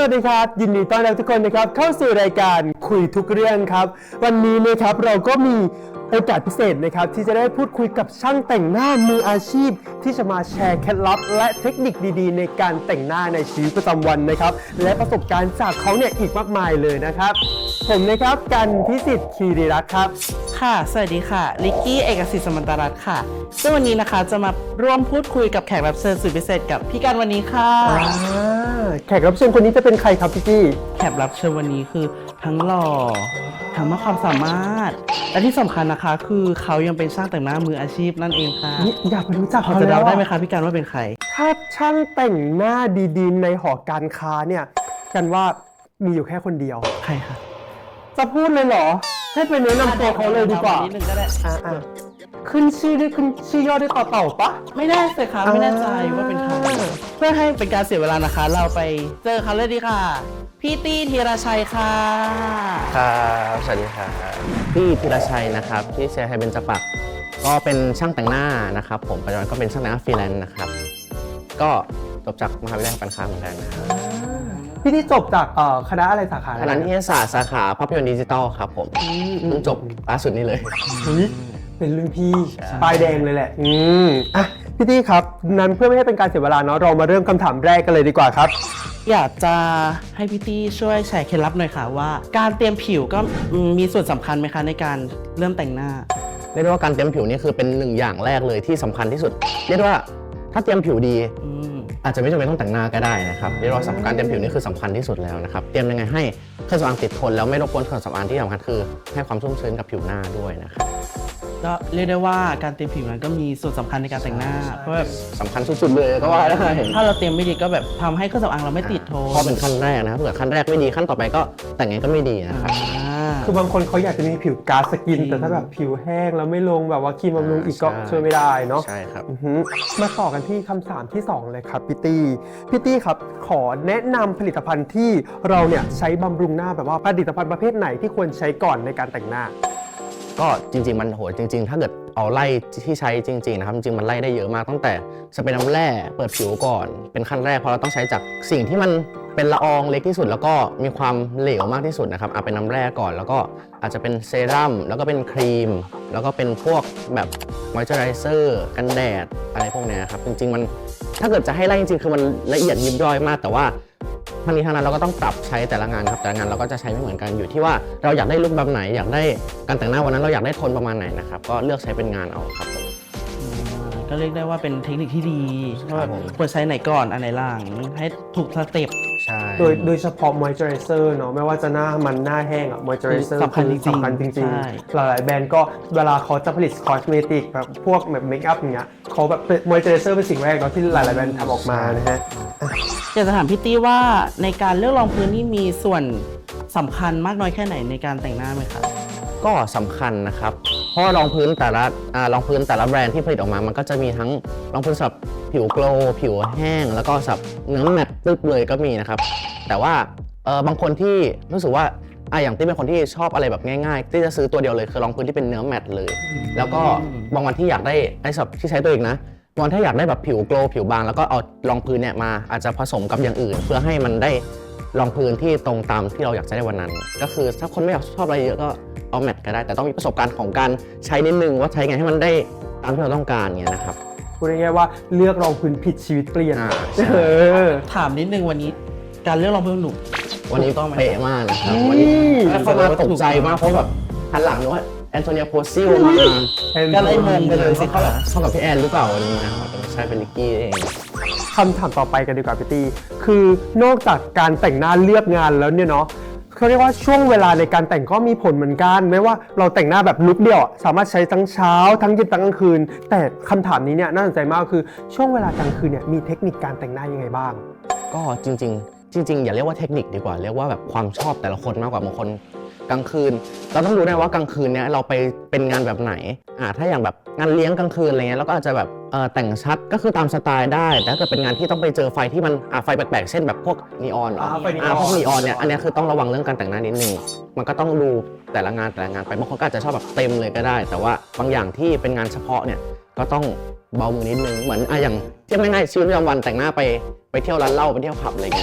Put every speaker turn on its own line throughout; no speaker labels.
วัสดีครับยินดีต้อนรับทุกคนนะครับเข้าสู่รายการคุยทุกเรื่องครับวันนี้นะครับเราก็มีโอกาสพิเศษนะครับที่จะได้พูดคุยกับช่างแต่งหน้ามืออาชีพที่จะมาแชร์เคล็ดลับและเทคนิคดีๆในการแต่งหน้าในชีวิตประจำวันนะครับและประสบการณ์จากเขาเนี่ยอีกมากมายเลยนะครับผมนะครับกันพิสิทธิ์คีรีรัตน์ครับ
ค่ะสวัสดีค่ะลิกกี้เอกสิทธิ์สมันตรัตน์ค่ะซึ่งวันนี้นะคะจะมาร่วมพูดคุยกับแขกรับเชิญสุดพิเศษกับพี่กันวันนี้ค่ะ
แขกรับเชิญคนนี้จะเป็นใครครับพี่กี้
แขกรับเชิญวันนี้คือทั้งหล่อทั้งมากความสามารถและที่สำคัญนะคะคือเขายังเป็นช่างแต่งหน้ามืออาชีพนั่นเองค่ะ
อยากไปรู้จัก
เขาจะเดาได้ไหมคะพี่กันว่าเป็นใคร
ถ้าช่างแต่งหน้าดีๆในหอการค้าเนี่ยกันว่ามีอยู่แค่คนเดียว
ใครคะ
จะพูดเลยเหรอให้ไปแนะนำตัวเขาเลยดีกว่า
นิดนึงก็ได้
ขึ้นชื่อด้วยขึ้นชื่อย่อด้วยต่อเต่าปะ
ไม่แน่ใจค่ะไม่แน่ใจว่าเป็นใครเพื่อให้เป็นการเสียเวลานะคะเราไปเจอเขาเลยดีค่ะพี่ตี้ธีรชัยค่ะ
ครับสวัสดีครับพี่ธีรชัยนะครับที่เชียร์ไทยเบญจปรักษ์ก็เป็นช่างแต่งหน้านะครับผมปัจจุบันก็เป็นช่างแต่งหน้าฟรีแลนซ์นะครับก็จบจากมหาวิทยาลัยการค้าเหมือนกันนะครับ
พี่ที่จบจากคณะอะไรสาขา
คณะนิเทศศาสตร์สาขาภาพยนตร์ดิจิตอลครับผมเพิ่งจบล่าสุดนี้เลย
เป็นรุ่นพี่ปลายแดงเลยแหละอ่ะพี่ตี้ครับนั้นเพื่อไม่ให้เป็นการเสียเวลาเนาะเรามาเริ่มคำถามแรกกันเลยดีกว่าครับ
อยากจะให้พี่ตี้ช่วยแชร์เคล็ดลับหน่อยค่ะว่าการเตรียมผิวก็มีส่วนสำคัญไหมคะในการเริ่มแต่งหน้า
เรียกได้ว่าการเตรียมผิวนี่คือเป็นหนึ่งอย่างแรกเลยที่สำคัญที่สุดเรียกได้ว่าถ้าเตรียมผิวดีอาจจะไม่จำเป็นต้องแต่งหน้าก็ได้นะครับเรียกว่าการเตรียมผิวนี่คือสำคัญที่สุดแล้วนะครับเตรียมยังไงให้เครื่องสำอางติดทนแล้วไม่รบกวนเครื่องสำอางที่สำคัญคือให้ความชุ่มชื้นกับผิวหน้าด้วยนะครับ
ก็เรียกได้ว่าการเตรียมผิวนั้นก็มีส่วนสำคัญในการแต่งหน้าเพราะแบบ
สำคัญสุดๆเลยก็ว่าได้
ถ้าเราเตรียมไม่ดีก็แบบทำให้เครื่องสำอางเราไม่ติดทน
เพราะเป็นขั้นแรกนะครับถ้าเกิดขั้นแรกไม่ดีขั้นต่อไปก็แต่งไงก็ไม่ดีนะครับ
คือบางคนเขาอยากจะมีผิวก๊าซสกินแต่ถ้าแบบผิวแห้งแล้วไม่ลงแบบว่าครีมบำรุงอีกก็ช่วยไม่ได้เนาะ
ใช่ครับ
มาต่อกันที่คำถามที่2เลยครับพี่ตี้ครับขอแนะนำผลิตภัณฑ์ที่เราเนี่ยใช้บำรุงหน้าแบบว่าผลิตภัณฑ์ประเภทไหนที่ควรใช้ก่อนในการแต่งหน้า
ก็จริงๆมันโหจริงๆถ้าเกิดเอาไล่ที่ใช้จริงๆนะครับจริงๆมันไล่ได้เยอะมากตั้งแต่สเปรย์น้ำแร่เปิดผิวก่อนเป็นขั้นแรกเพราะเราต้องใช้จากสิ่งที่มันเป็นละอองเล็กที่สุดแล้วก็มีความเหลวมากที่สุดนะครับเป็นน้ำแร่ก่อนแล้วก็อาจจะเป็นเซรั่มแล้วก็เป็นครีมแล้วก็เป็นพวกแบบมอยเจอไรเซอร์กันแดดอะไรพวกนี้ครับจริงๆมันถ้าเกิดจะให้ไล่จริงๆคือมันละเอียดยิบย่อยมากแต่ว่าทั้งนี้ทั้งนั้นเราก็ต้องปรับใช้แต่ละงานครับแต่ละงานเราก็จะใช้ไม่เหมือนกันอยู่ที่ว่าเราอยากได้ลุคแบบไหนอยากได้การแต่งหน้าวันนั้นเราอยากได้โทนประมาณไหนนะครับก็เลือกใช้เป็นงานเอาครับผม
ก็เรียกได้ว่าเป็นเทคนิคที่ดีว่าควรใช้ไหนก่อนอันไหนหลังให้ถูกสเต็ป
ใช่
โดยเฉพาะมอยเจอไรเซอร์เนาะไม่ว่าจะหน้ามันหน้าแห้งมอยเจอไรเซอร์
สำคัญจริง
ๆหลายๆแบรนด์ก็เวลาเขาจะผลิตคอสเมติกแบบพวกแบบเมคอัพอย่างเงี้ยเขาแบบมอยเจอไรเซอร์เป็นสิ่งแรกเนาะที่หลายๆแบรนด์ทำออกมานะฮะ
อยากจะถามพี่ตี้ว่าในการเลือกรองพื้นนี่มีส่วนสำคัญมากน้อยแค่ไหนในการแต่งหน้าไหมคะ
ก็สำคัญนะครับเพราะรองพื้นแต่ละแบรนด์ที่ผลิตออกมามันก็จะมีทั้งรองพื้นสำหรับผิวโกลว์ผิวแห้งแล้วก็สำหรับเนื้อแมตต์ตึ๊บเลยก็มีนะครับแต่ว่าบางคนที่รู้สึกว่าอย่างที่เป็นคนที่ชอบอะไรแบบง่ายๆที่จะซื้อตัวเดียวเลยคือรองพื้นที่เป็นเนื้อแมตต์เลยแล้วก็บางวันที่อยากได้สำหรับที่ใช้ตัวเองนะวันถ้าอยากได้แบบผิวโกลว์ผิวบางแล้วก็เอารองพื้นเนี่ยมาอาจจะผสมกับอย่างอื่นเพื่อให้มันได้รองพื้นที่ตรงตามที่เราอยากจะได้วันนั้นก็คือถ้าคนไม่อยากชอบอะไรเยอะก็เอาแมตต์ก็ได้แต่ต้องมีประสบการณ์ของการใช้นิดนึงว่าใช้ไงให้มันได้ตามที่เราต้องการเงี้ยนะครับ
พูดง่ายๆว่าเลือกรองพื้นผิดชีวิตเปลี่ยน
ถามนิดนึงวันนี้การเลือกรองพื้นหนุ่ม
วันนี้ต้องเป๊ะมากนะครับวันนี้เขามาตกใจมากเพราะแบบหันหลังนึกว่าแอนโทเนียโพซิลมา
ก็เลยงงไปเลยสิ
เข้ากับพี่แอนหรือเปล่าวันนี้นะครับแต่ไม่ใช่เป็นลิกกี้เอง
คำถามต่อไปกันดีกว่าพี่ตี้คือนอกจากการแต่งหน้าเลือกงานแล้วเนี่ยเนาะเขาเรียกว่าช่วงเวลาในการแต่งก็มีผลเหมือนกันไม่ว่าเราแต่งหน้าแบบลุคเดียวสามารถใช้ทั้งเช้าทั้งเย็นทั้งกลางคืนแต่คำถามนี้เนี่ยน่าสนใจมากคือช่วงเวลากลางคืนเนี่ยมีเทคนิคการแต่งหน้ายังไงบ้าง
ก็จริงอย่าเรียกว่าเทคนิคดีกว่าเรียกว่าแบบความชอบแต่ละคนมากกว่าบางคนกลางคืนเราต้องรู้ได้ว่ากลางคืนเนี้ยเราไปเป็นงานแบบไหนถ้าอย่างแบบงานเลี้ยงกลางคืนอะไรเงี้ยเราก็อาจจะแบบแต่งชัดก็คือตามสไตล์ได้แต่ถ้าเกิดเป็นงานที่ต้องไปเจอไฟที่มันไฟแปลกๆเช่นแบบพวกนีออนพวกนีออนเนี่ยอันนี้คือต้องระวังเรื่องการแต่งหน้านิดนึงมันก็ต้องดูแต่ละงานไปบางคนก็อาจจะชอบแบบเต็มเลยก็ได้แต่ว่าบางอย่างที่เป็นงานเฉพาะเนี่ยก็ต้องเบามือนิดนึงเหมือนอย่างเทียบง่ายๆชีวิตประจำวันแต่งหน้าไปเที่ยวร้านเหล้าไปเที่ยวผับอะไรเงี้ย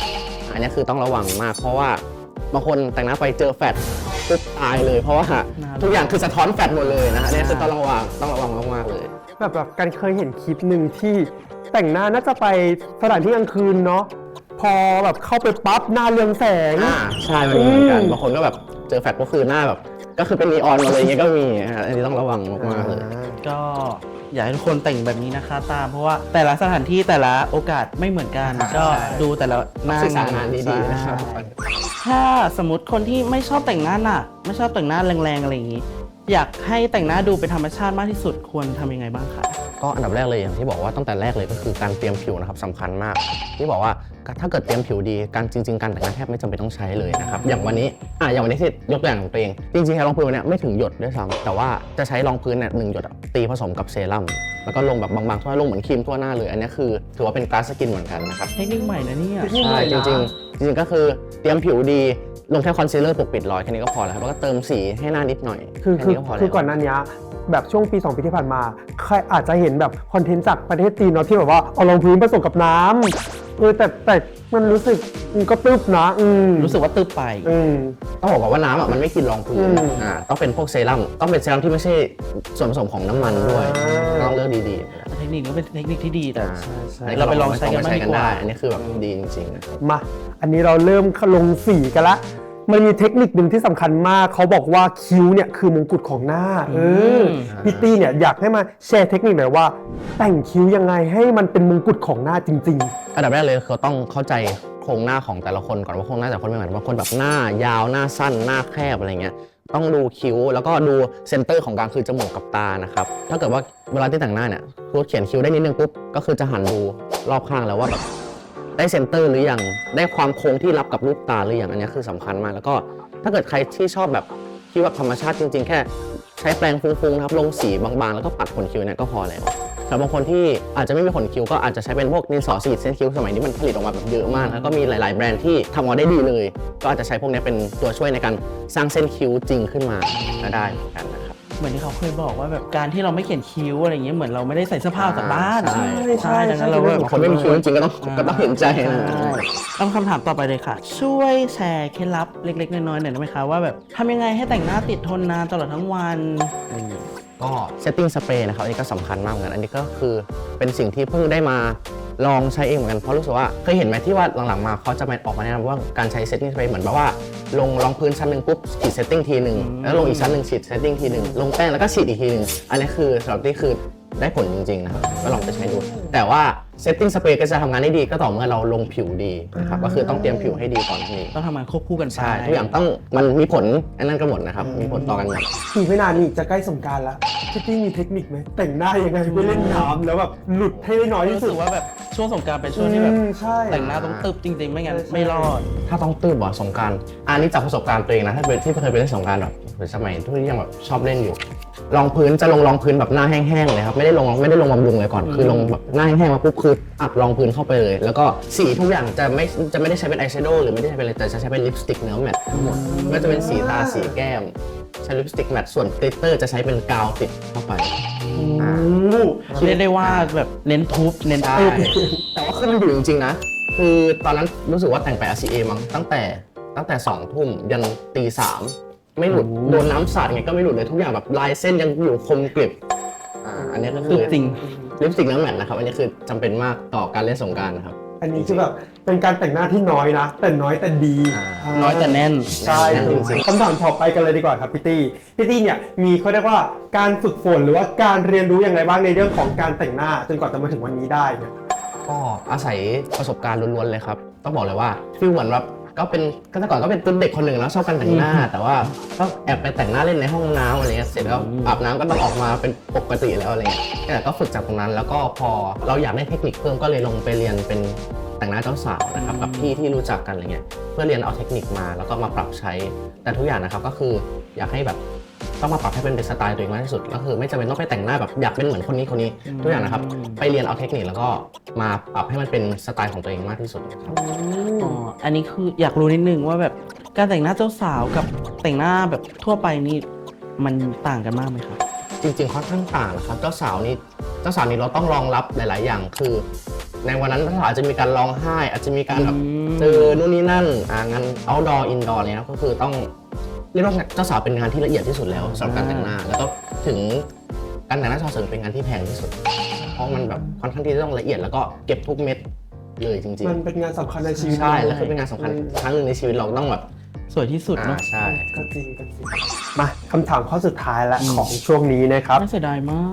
อันนี้คือต้องระวังมากเพราะว่าบางคนแต่งหน้าไปเจอแฟตปุ๊บตายเลย เพราะว่าทุกอย่างคือสะท้อนแฟตหมดเลยนะฮะเนี่ยคือต้องระวังมากๆเลย
แบบการเคยเห็นคลิปหนึ่งที่แต่งหน้าน่าจะไปสถานที่กลางคืนเนาะพอแบบเข้าไปปั๊บหน้าเรืองแสง
ใช่มันมีเหมือนกันบางคนก็แบบเจอแฟตก็คือหน้าแบบก็คือเป็นนีออนมาเลยอย่างเงี้ยก็มีฮะอันนี้ต้องระวังมากๆเลย
ก็อยากให้ทุกคนแต่งแบบนี้นะคะตามเพราะว่าแต่ละสถานที่แต่ละโอกาสไม่เหมือนกัน ก็ดูแต่ละหน้า
ศึกษางานดีๆนะครับ
ถ้าสมมติคนที่ไม่ชอบแต่งหน้าหนักไม่ชอบแต่งหน้าแรงๆอะไรอย่างนี้ อยากให้แต่งหน้าดูเป็นธรรมชาติมากที่สุดควรทำยังไงบ้างคะ
ก็อันดับแรกเลยอย่างที่บอกว่าตั้งแต่แรกเลยก็คือการเตรียมผิวนะครับสำคัญมาก ที่บอกว่าถ้าเกิดเตรียมผิวดีการจริงๆการแต่งหน้าแทบไม่จำเป็นต้องใช้เลยนะครับอย่างวันนี้ที่ยกตัวอย่างของตัวเองจริงๆใช้รองพื้นเนี่ยไม่ถึงหยดด้วยซ้ำแต่ว่าจะใช้รองพื้นเนี่ย1 หยดตีผสมกับเซรั่มแล้วก็ลงแบบบางๆทั่วลงเหมือนครีมทั่วหน้าเลยอันนี้คือถือว่าเป็นกลาสสกินเหมือนกันนะครับ
เทคนิคใหม่นะเนี่ย
ใช่จริงๆก็คือเตรียมผิวดีลงแค่คอนซีลเลอร์ปกปิดรอยแค่นี้ก็พอแล้วครับแล้วก็เติมสีให้หน้านิดหน่อย
คือ
แค่นี้ก็พอแล้ว
ก่อนหน้านี้แบบช่วงปี 2 ปีที่ผ่านมาใครอาจจะเห็นแบบคอนเทนต์จากประเทศจีนเนาะที่แบบว่าเอารองพื้นผสมกับน้ำแต่มันรู้สึกมันก็ตึ๊บนะ
รู้สึกว่าตึ๊บไป
ต้องบอกก่อนว่าน้ำมันไม่กินรองพื้นต้องเป็นพวกเซรั่มต้องเป็นเซรั่มที่ไม่ใช่ส่วนผสมของน้ำมันด้วยต้องเลือกดีๆ
เทคนิคนี้เป็นเทคนิคที่ดีแต่
ใช่
เราไปลองใช้กันบ้างดีกว่า
อันนี้คือแบบดีจริงๆ
มาอันนี้เราเริ่มลงสีกันละมันมีเทคนิคหนึ่งที่สำคัญมากเขาบอกว่าคิ้วเนี่ยคือมงกุฎของหน้าพี่ตี้เนี่ยอยากให้มาแชร์เทคนิคหน่อยว่าแต่งคิ้วยังไงให้มันเป็นมงกุฎของหน้าจริงๆ
อันดับแรกเลยเขาต้องเข้าใจโครงหน้าของแต่ละคนก่อนว่าโครงหน้าแต่ละคนไม่เหมือนบางคนแบบหน้ายาวหน้าสั้นหน้าแคบอะไรเงี้ยต้องดูคิ้วแล้วก็ดูเซนเตอร์ของกลางคือจมูกกับตานะครับถ้าเกิดว่าเวลาที่แต่งหน้าเนี่ยคือเขียนคิ้วได้นิดนึงปุ๊บก็คือจะหันดูรอบข้างแล้วว่าแบบได้เซนเตอร์หรือยังได้ความโค้งที่รับกับรูปตาหรือยังอันนี้คือสำคัญมากแล้วก็ถ้าเกิดใครที่ชอบแบบคิ้วแบบธรรมชาติจริงๆแค่ใช้แปรงฟุ้งๆนะครับลงสีบางๆแล้วก็ปัดขนคิ้วเนี่ยก็พอแล้วแต่บางคนที่อาจจะไม่มีขนคิ้วก็อาจจะใช้เป็นพวกดินสอสีดเส้นคิ้วสมัยนี้มันผลิตออกมาแบบเยอะมากแล้วก็มีหลายๆแบรนด์ที่ทำออกมาได้ดีเลยก็อาจจะใช้พวกนี้เป็นตัวช่วยในการสร้างเส้นคิ้วจริงขึ้นมาได้เหมือนกันนะครับ
เหมือนที่เขาเคยบอกว่าแบบการที่เราไม่เขียนคิ้วอะไรอย่างเงี้ยเหมือนเราไม่ได้ใส่เสื้อผ้าออกจากบ้าน
ใช่
ดังนั้นเราแบบ
คนไม่มีคิ้วจริงๆก็ต้องเห็นใจนะ
ต้องคำถามต่อไปเลยค่ะ ช่วยแชร์เคล็ดลับเล็กๆน้อยๆหน่อยได้ไหมคะว่าแบบทำยังไงให้แต่งหน้าติดทนนานตลอดทั้งวันอะไรอย่างเงี้ย
ก็เซตติ้งสเปรย์นะครับอันนี้ก็สำคัญมากเหมือนกันอันนี้ก็คือเป็นสิ่งที่เพิ่งได้มาลองใช้เองเหมือนกันเพราะรู้สึกว่าเคยเห็นไหมที่ว่าหลังๆมาเขาจะออกมาแนะนำว่าการใช้เซตติ้งสเปรย์เหมือนแบบว่าลงรองพื้นชั้นหนึ่งปุ๊บฉีดเซตติ้งทีหนึ่งแล้วลงอีกชั้นหนึ่งฉีดเซตติ้งทีหนึ่งลงแป้งแล้วก็ฉีดอีกทีหนึ่งอันนี้คือสำหรับที่คือได้ผลจริงๆนะครับก็ลองไปใช้ดูแต่ว่าเซตติ้งสเปรย์ก็จะทำงานได้ดีก็ต่อเมื่อเราลงผิวดีนะครับก็คือต้องเตรียมผิวให้ดีก่อนนี่
ต้องทำงานควบคู่กันไป
ใช่ทุกอย่างต้องมันมีผลอันนั้นก็หมดนะครับมีผลต่อกันหมด
อีกไม่นานนี้จะใกล้สงกรานต์ละพี่ตี้มีเทคนิคไหมแต่งหน้ายังไงไม่เล่นน้ำแล้วแบบหลุดให้ได้น้อยที่
รู้
สุ
สึ
ด
กว่าแบบช่วงสงกรานต์เป็นช่วงที่แบบ
ใช่
แต่งหน้าต้องตึบจริงๆ ไม่งั้นไม่รอด
ถ้าต้องตื้บบ่สงกรานต์อันนี้จากประสบการณ์ตัวเองนะถ้าเป็นที่เคยไปเล่นสงกรานต์แบบสมัยที่ยังแบบชอบเล่นอยู่รองพื้นจะลงรองพื้นแบบหน้าแห้งๆเลยครับไม่ได้ลงบำรุงเลยก่อนคือลงแบบหน้าแห้งๆมาปุ๊บคืออัดรองพื้นเข้าไปเลยแล้วก็สีทุกอย่างจะไม่ได้ใช้เป็นอายแชโดว์หรือไม่ได้ใช้เป็นอะไรแต่จะใช้เป็นลิปสติกเนื้อแมตต์ทั้งหมดก็จะเป็นสีตาสีแก้มใช้ลิปสติกแมตต์ส่วนกลิตเตอร์จะใช้เป็นกาวติดเข้าไป
เรียกได้ว่าแบบเน้นทุบเน้น
ใช่
ตึบ
แต่ว่าคือมันอยู่จริงๆนะคือตอนนั้นรู้สึกว่าแต่งไป RCA มั้งตั้งแต่2 ทุ่มยันตี 3ไม่หลุดโดนน้ำสาดไงก็ไม่หลุดเลยทุกอย่างแบบลายเส้นยังอยู่คมกริบอันนี้ก็คือ
จริง
ลิปสติกน้ำแมทนะครับอันนี้คือจำเป็นมากต่อการเล่นสงกรานต์นะครับ
อันนี้คือแบบเป็นการแต่งหน้าที่น้อยนะแต่น้อยแต่ดี
น้อยแต่แน่น
ใช่
จริงๆ
คำถามต่อไปกันเลยดีกว่าครับพี่ตี้เนี่ยมีเขาเรียกว่าการฝึกฝนหรือว่าการเรียนรู้อย่างไรบ้างในเรื่องของการแต่งหน้าจนกว่าจะมาถึงวันนี้ได้เนี่ย
ก็อาศัยประสบการณ์ล้วนๆเลยครับต้องบอกเลยว่าฟีลเหมือนแบบก็แต่ก่อนก็เป็นเด็กคนหนึ่งแล้วชอบการแต่งหน้า แต่ว่าก็แอบไปแต่งหน้าเล่นในห้องน้ำอะไรเงี้ยเสร็จแล้วอาบน้ำก็ต้องออกมาเป็นปกติแล้วอะไรเงี้ยแต่ก็ฝึกจากตรงนั้นแล้วก็พอเราอยากได้เทคนิคเพิ่มก็เลยลงไปเรียนเป็นแต่งหน้าเจ้าสาวนะครับกับพี่ที่รู้จักกันอะไรเงี้ยเพื่อเรียนเอาเทคนิคมาแล้วก็มาปรับใช้แต่ทุกอย่างนะครับก็คืออยากให้แบบต้องมาปรับให้เป็นสไตล์ตัวเองมากที่สุดก็คือไม่จำเป็นต้องไปแต่งหน้าแบบอยากเป็นเหมือนคนนี้ทุกอย่างนะครับไปเรียนเอาเทคนิคแล้วก็มาปรับให้มันเป็นสไตล์ของตัวเองมากที่สุดครับ
อ๋อ อันนี้คืออยากรู้นิดนึงว่าแบบการแต่งหน้าเจ้าสาวกับแต่งหน้าแบบทั่วไปนี่มันต่างกันมากไหมครับ
จริงๆค่อนข้างต่างนะครับเจ้าสาวนี่เราต้องรองรับหลายๆอย่างคือในวันนั้นอาจจะมีการร้องไห้ อาจจะมีการแบบเจอนู่นนี่นั่นงาน outdoor indoor เนี่ยก็คือต้องเรียกว่าเจ้าสาวเป็นงานที่ละเอียดที่สุดแล้วสำหรับการแต่งหน้าแล้วก็ถึงการแต่งหน้าชาวเสริมเป็นงานที่แพงที่สุดเพราะมันแบบค่อนข้างที่จะต้องละเอียดแล้วก็เก็บทุกเม็ดเลยจริงๆ
มันเป็นงานสำคัญในชีวิต
ใช่แล้วคือเป็นงานสำคัญครั้งหนึ่งในชีวิตเราต้องแบบ
สวยที่สุดเนาะ
ใช่
ก็จริงมาคำถามข้อสุดท้ายละของช่วงนี้นะครับ
น่าเสียดายมาก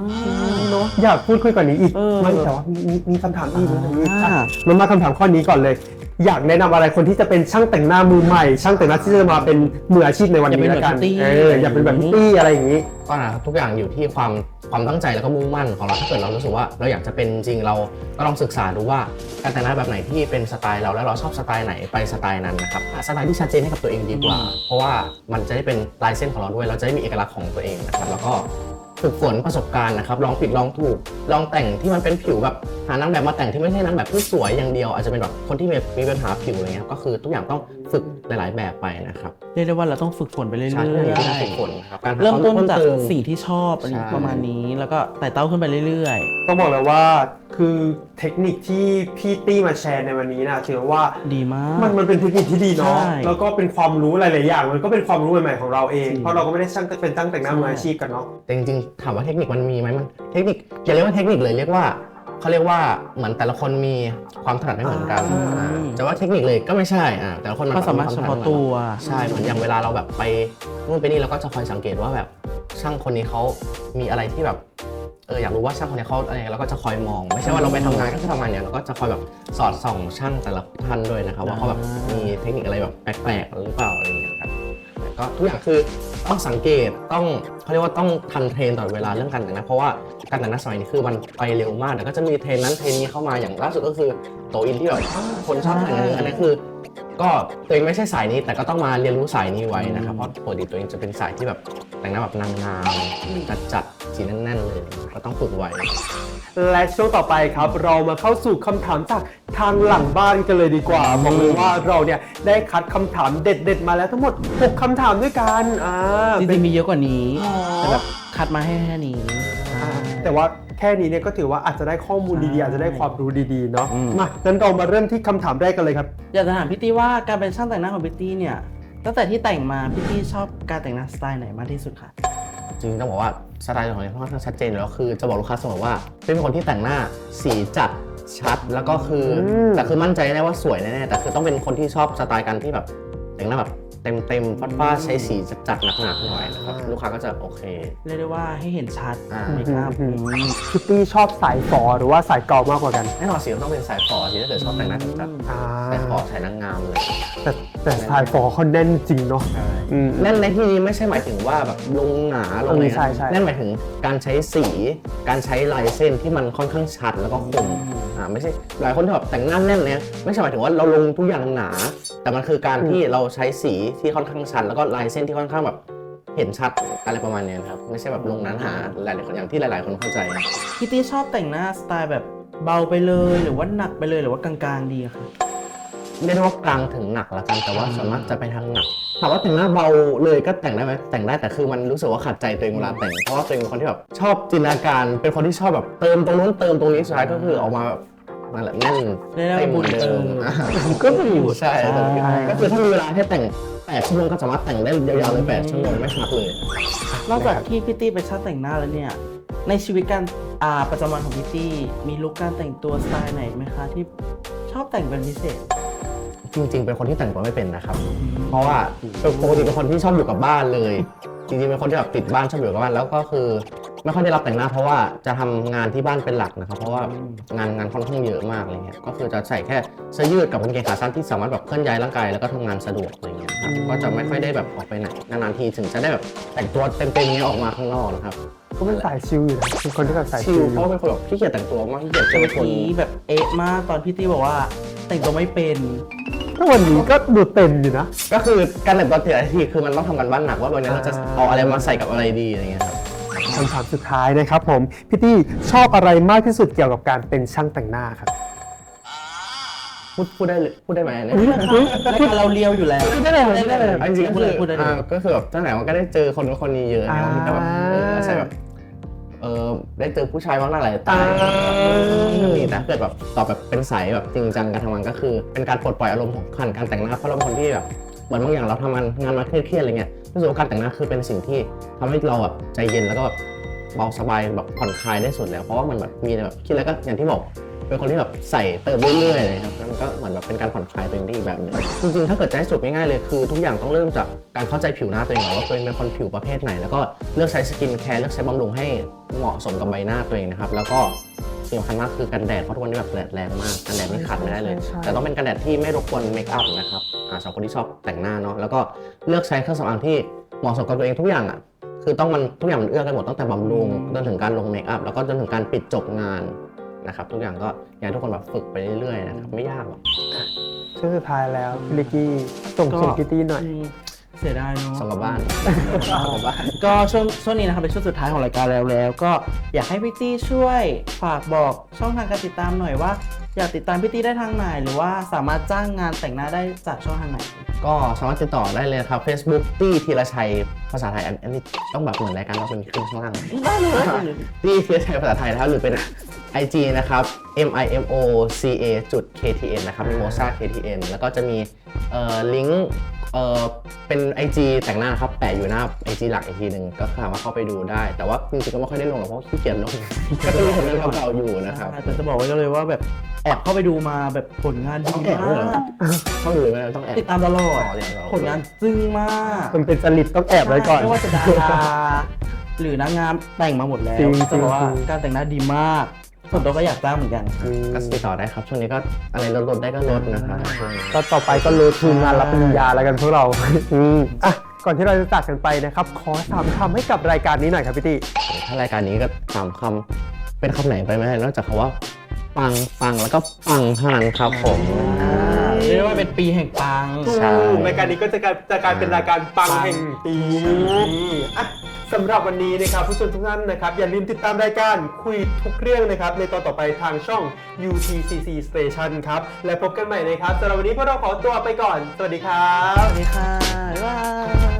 เนอะอยากพูดคุยกว่านี้อีก
เออ
ไม่แต่ว่ามีคำถามอีกนะ
อ่า
มันมาคำถามข้อนี้ก่อนเลย อยากแนะนำอะไรคนที่จะเป็นช่างแต่งหน้ามือใหม่ ช่างแต่งหน้าที่จะมาเป็นมืออาชีพในวันนี้ละกันอยากเป็นแบบพี่ตี้อะไรอย่างนี้
ก็นะครับทุกอย่างอยู่ที่ความตั้งใจแล้วก็มุ่งมั่นของเราถ้าเกิดเรารู้สึกว่าเราอยากจะเป็นจริงเราก็ลองศึกษาดูว่าการแต่งหน้าแบบไหนที่เป็นสไตล์เราแล้วเราชอบสไตล์ไหนไปสไตล์นั้นนะครับหาสไตล์ที่ชัดเจนให้กับตัวเองดีกว่า เพราะว่ามันจะได้เป็นลายเส้นของเราด้วยเราจะได้มีเอกลักษณ์ของตัวเองนะครับแล้วก็ฝึกฝนประสบการณ์นะครับลองผิดลองถูกลองแต่งที่มันเป็นผิวแบบหานางแบบมาแต่งที่ไม่ใช่นางแบบที่สวยอย่างเดียวอาจจะเป็นแบบคนที่มีปัญหาผิวอะไรเงี้ยก็คือทุกอย่างต้องฝึกหลายๆแบบไปนะครับ
เรียกได้ว่าเราต้องฝึกฝนไปเรื่อย
ใช่
ๆ
ต้องฝึกฝนนะครับการหา
เริ่มต้นจาก
เติม
สิ่งที่ชอบ
ใช่
ประมาณนี้แล้วก็ไต่เต้าขึ้นไปเรื่อย
ต้องบอกเลยว่าคือเทคนิคที่พี่ตี้มาแชร์ในวันนี้นะถือว่า
ๆ ดีมาก
มันเป็นเทคนิคที่ดีเนาะ
ใช่
แล้วก็เป็นความรู้หลายๆอย่างมันก็เป็นความรู้ใหม่ๆของเราเอง
จริง
เพราะเราก็ไม่ได้เป็นตั้งแต่งหน้ามืออาชีพกันเนาะ
แต่จริงๆถามว่าเทคนิคมันมีไหมมันเทคนิคอย่าเรียกว่าเทคนิคเลยเรียกว่าเขาเรียกว่าเหมือนแต่ละคนมีความถนัดไม่เหมือนกันจะว่าเทคนิคเลยก็ไม่ใช่แต่ละคนมัน
ก็สามารถเฉพาะตัว
ใช่เหมือนอย่างเวลาเราแบบไปนู่นไปนี่เราก็จะคอยสังเกตว่าแบบช่างคนนี้เขามีอะไรที่แบบอยากรู้ว่าช่างคนนี้เขาอะไรเราก็จะคอยมอง ไม่ใช่ว่าเราไปทำงานก็คือทำงานเนี่ยเราก็จะคอยแบบสอดส่องช่างแต่ละท่านด้วยนะครับว่าเขาแบบมีเทคนิคอะไรแบบแปลกๆหรือเปล่าอะไรอย่างเงี้ยครับก็ทุกอย่างคือต้องสังเกตต้องเขาเรียกว่าต้องทันเทรนตลอดเวลาเรื่องการแต่งหน้าเพราะว่าการแต่งหน้าสมัยนี้คือมันไปเร็วมากแล้วก็จะมีเทรนนั้นเทรนนี้เข้ามาอย่างล่าสุดก็คือโตอินที่แบบคนชอบแต่งอันนี้คือ ก็ตัวเองไม่ใช่สายนี้แต่ก็ต้องมาเรียนรู้สายนี้ไว้นะครับเพราะปกติตัวเองจะเป็นสายที่แบบแต่งหน้าแบบนางงามจัดสีแน่นๆเลยก็ต้องฝึกไว้
และช่วงต่อไปครับเรามาเข้าสู่คำถามจากทางหลังบ้านกันเลยดีกว่าบอกเลยว่าเราเนี่ยได้คัดคำถามเด็ดๆมาแล้วทั้งหมด 6 คำถามด้วยกัน
จริงๆมีเยอะกว่านี้
อ๋อ
แต่แบบคัดมาให้แค่นี้
แต่ว่าแค่นี้เนี่ยก็ถือว่าอาจจะได้ข้อมูลดีๆอาจจะได้ความรู้ดีๆเนาะมางั้นเรามาเริ่มที่คำถามแรกกันเลยครับ
อยากจะถามพี่ตี้ว่าการเป็นช่างแต่งหน้าของพี่ตี้เนี่ยตั้งแต่ที่แต่งมาพี่ตี้ชอบการแต่งหน้าสไตล์ไหนมากที่สุดคะ
จริงๆต้องบอกว่าสไตล์ของเราค่อนข้างชัดเจนอยู่แล้วคือจะบอกลูกค้าเสมอว่าเป็นคนที่แต่งหน้าสีจัดชัดแล้วก็คือแต่คือมั่นใจแน่ว่าสวยแน่ๆแต่คือต้องเป็นคนที่ชอบสไตล์การที่แบบแต่งหน้าแบบเต็มๆฟาดๆใช้สีจัดๆหนักๆหน่อยนะครับลูกค้าก็จะโอเค
เรียกได้ว่าให้เห็นชัด
อ่า
เมคอัพ
คิตตี้ชอบสายฝอหรือว่าสายเก่ามากกว่ากัน
แน่นอนสีต้องเป็นสายฝอสีถ้าเกิดชอบแต่งหน้าจัดๆสายฝอสายนางงามเลย
แต่สายฝอเขาแน่นจริงเนาะ
แน่นในที่นี้ไม่ใช่หมายถึงว่าแบบลงหนาลงอะไร
ใช่
นะ
ใช่
แน่นหมายถึงการใช้สีการใช้ลายเส้นที่มันค่อนข้างชัดแล้วก็คมไม่ใช่หลายคนที่แบบแต่งหน้าแน่นเนี่ยไม่ใช่หมายถึงว่าเราลงทุกอย่างหนา แต่มันคือการที่เราใช้สีที่ค่อนข้างชัดแล้วก็ลายเส้นที่ค่อนข้างแบบเห็นชัดอะไรประมาณเนี้ยครับไม่ใช่แบบลงหนาหลายๆคนอย่างที่หลายๆคนเข้าใจ
พี่ตี้ชอบแต่งหน้าสไตล์แบบเบาไปเลยหรือว่าหนักไปเลยหรือว่ากลางๆดีอะคะ
เรียกได้ว่ากลางถึงหนักละกันแต่ว่าส่วนมากจะไปทางหนักถามว่าแต่งหน้าเบาเลยก็แต่งได้ไหมแต่งได้แต่คือมันรู้สึกว่าขัดใจตัวเองเวลาแต่งเพราะว่าตัวเองเป็นคนที่แบบชอบจินตนาการเป็นคนที่ชอบแบบเติมตรงนู้นเติมตรงนี้สุดท้ายก็คือออกมาแบบนั่นแหละแน่น
เรียกได้ว่าบุญเติม
ก็อยู่ใช่ก็คือถ้ามีเวลาให้แต่ง8 ชั่วโมงก็สามารถแต่งได้ยาวๆเลย8 ชั่วโมงไม่พักเลย
นอกจากที่พี่ตี้ไปนช่างแต่งหน้าแล้วเนี่ยในชีวิตการประจำวันของพี่ตี้มีลุคการแต่งตัวสไตล์ไหนไหมคะที่ชอบแต่งเป็นพิเศษ
จริงๆเป็นคนที่แต่งตัวไม่เป็นนะครับเพราะว่าปกติเป็นคนที่ชอบอยู่กับบ้านเลยจริงๆเป็นคนที่แบบติดบ้านชอบอยู่กับบ้านแล้วก็คือไม่ค่อยได้รับแต่งหน้าเพราะว่าจะทำงานที่บ้านเป็นหลักนะครับเพราะว่างานค่อนข้างเยอะมากอะไรเงี้ยก็คือจะใส่แค่เสื้อยืดกับกางเกงขาสั้นที่สามารถแบบเคลื่อนย้ายร่างกายแล้วก็ทำงานสะดวกอะไรเงี้ยครับก็จะไม่ค่อยได้แบบออกไปไหนนานๆทีถึงจะได้แบบแต่งตัวเต็มๆเงี้ยออกมาข้างนอกนะครับ
ก็เป็นสายชิลอยู่นะเป็นคนที่แบบสาย
ชิ
ชิ
ล
ล
เพราะเป็นคนแบบขี้เกียจแต่งตัวมากขี้เกียจจะ
เมื่
เป็
อน
คน
กี้แบบเอ๊ะมากตอนพี่ตี้บอกว่าแต่งตัวไม่เป็น
ถ้าวันนี้ก็ดูเต็มอยู่นะ
ก็คือการแต่งตัวแต่ละทีคือมันต้องทำกันบ้านหนักว่าวันนี้เราจะเอาอะไรมาใส่กับอะไรดีอะไรเงี้ยครับ
คำถามสุดท้ายนะครับผมพี่ตี้ชอบอะไรมากที่สุดเกี่ยวกับการเป็นช่างแต่งหน้าครับ
พูดได้เลยพูดได้ไหมเนี่ย
รายการเราเลียวอยู่แล้ว
ได้เลยได้เลย
จริงๆก็คือ
พูดได้เลย
ก็คือแบบตั้งแต่มันก็ได้เจอคนนู้นคนนี้เยอะเนี่ยมันก็แบบใช่แบบได้เจอผู้ชายมากหน้าหลายตานี่แต่ถ้าเกิดแบบตอบแบบเป็นสายแบบจริงจังการทำงานก็คือเป็นการปลดปล่อยอารมณ์ของการแต่งหน้าเพราะเราเป็นคนที่แบบเหมือนบางอย่างเราทำงานมาเครียดๆอะไรเงี้ยรู้สึกว่าการแต่งหน้าคือเป็นสิ่งที่ทำให้เราแบบใจเย็นแล้วก็แบบเบาสบายแบบผ่อนคลายได้สุดแล้วเพราะว่ามันแบบมีแบบคิดแล้วก็อย่างที่บอกเป็นคนที่แบบใส่เติมเรื่อยๆเลยครับแล้วมันก็เหมือนแบบเป็นการผ่อนคลายตัวเองได้อีกแบบหนึงจริงๆถ้าเกิดจะให้สุดง่ายๆเลยคือทุกอย่างต้องเริ่มจากการเข้าใจผิวหน้าตัวเองก่อนว่าตัวเองเป็นคนผิวประเภทไหนแล้วก็เลือกใช้สกินแคร์เลือกใช้บำรุงให้เหมาะสมกับใบหน้าตัวเองนะครับแล้วก็สิ่งสำคัญมากคือกันแดดเพราะทุกวันนี้แบบแดดแรงมากกันแดดนี่ขาดไม่ได้เลยแต่ต้องเป็นกันแดดที่ไม่รบกวนเมคอัพนะครับสำหรับคนที่ชอบแต่งหน้าเนาะแล้วก็เลือกใช้เครื่องสำอางที่เหมาะสมกับตัวเองทุกอย่างอ่ะคือต้องมันทุกอย่างมันเอื้อกันหมดตั้งแต่บำรุงจนถึงการลงเมคอัพแล้วก็จนถึงการปิดจบงานนะครับทุกอย่างก็อยากให้ทุกคนแบบฝึกไปเรื่อยๆนะครับไม่ยากหรอก
ช่วงสุดท้ายแล้วพี่ลิกกี้ส่งเสียงพี่ตี้หน่อย
เสียดายเนาะ
ส่งกลับบ้านส่งกลับบ้าน
ก็ช่วงนี้นะครับเป็นช่วงสุดท้ายของรายการแล้วก็อยากให้พี่ตี้ช่วยฝากบอกช่องทางการติดตามหน่อยว่าอยากติดตามพี่ตี้ได้ทางไหนหรือว่าสามารถจ้างงานแต่งหน้าได้จากช่องทางไหน
ก็สามารถติดต่อได้เลยครับ Facebook ตี้ธีรชัยภาษาไทยอันนี้ต้องแบบเหมือนรายการเราเป็นขึ้นข้างล่าง
ได้เลย
ตี้ธีรชัยภาษาไทยนะครับหรือเป็น IG นะครับ MIMOCA.KTN นะครับมีโมซา KTN แล้วก็จะมีลิงก์เป็น IG แต่งหน้านะครับแปะอยู่หน้า IG หลักอีกทีหนึ่งก็สามารถเข้าไปดูได้ แต่ว่าจริงๆก็ไม่ค่อยได้ลงหรอกเพราะขี้เกียจลง ก็จะมีผลงานเก่าๆอยู่นะครับ
แต่จะบอกไว้ก็เลยว่าแบบแอบเข้าไปดูมาแบบผลงานดี
ต้องแอบ
มา
ด้วยเหรอ
ก
เข้าดูเลยไหมต้องแอบ
ติดตามตลอด
เดี๋ยวเรา
ผลงานจึ้งมาก
มันเป็นจริตต้องแอบไว้ก่อน
ไม่ว่าจะดาราหรือนางงามแต่งมาหมดแล้ว
จริง
จะบอกว่า
จริง
การแต่งหน้าดีมากส่วนตัวก็อยากจ้างเหมือนกัน
ก็ติดต่อได้ครับช่วงนี้ก็อะไรลดได้ก็ลดนะครับช่วงนี้
ก็ต่อไปก็รู้ทีมงานรับปริญญาแล้วกันพวกเรา อ่ะก่อนที่เราจะจากกันไปนะครับขอ3 คำให้กับรายการนี้หน่อยครับพี่ตี้
ถ้ารายการนี้ก็3 คำเป็นคำไหนไปไม่ได้นอกจากคำว่าปังแล้วก็ปังเท่านั้นครับผม
เรียกได้ว่าเป็นปีแห่งปัง
ใช่
รายการนี้ก็จะกลายเป็นรายการปังแห่งปีอ่ะสำหรับวันนี้นะครับผู้ชมทุกท่านนะครับอย่าลืมติดตามรายการคุยทุกเรื่องนะครับในตอนต่อไปทางช่อง UTCC Station ครับและพบกันใหม่นะครับสำหรับวันนี้พวกเราขอตัวไปก่อนสวัสดีครับ
สวัสดีค่ะ บ๊ายบาย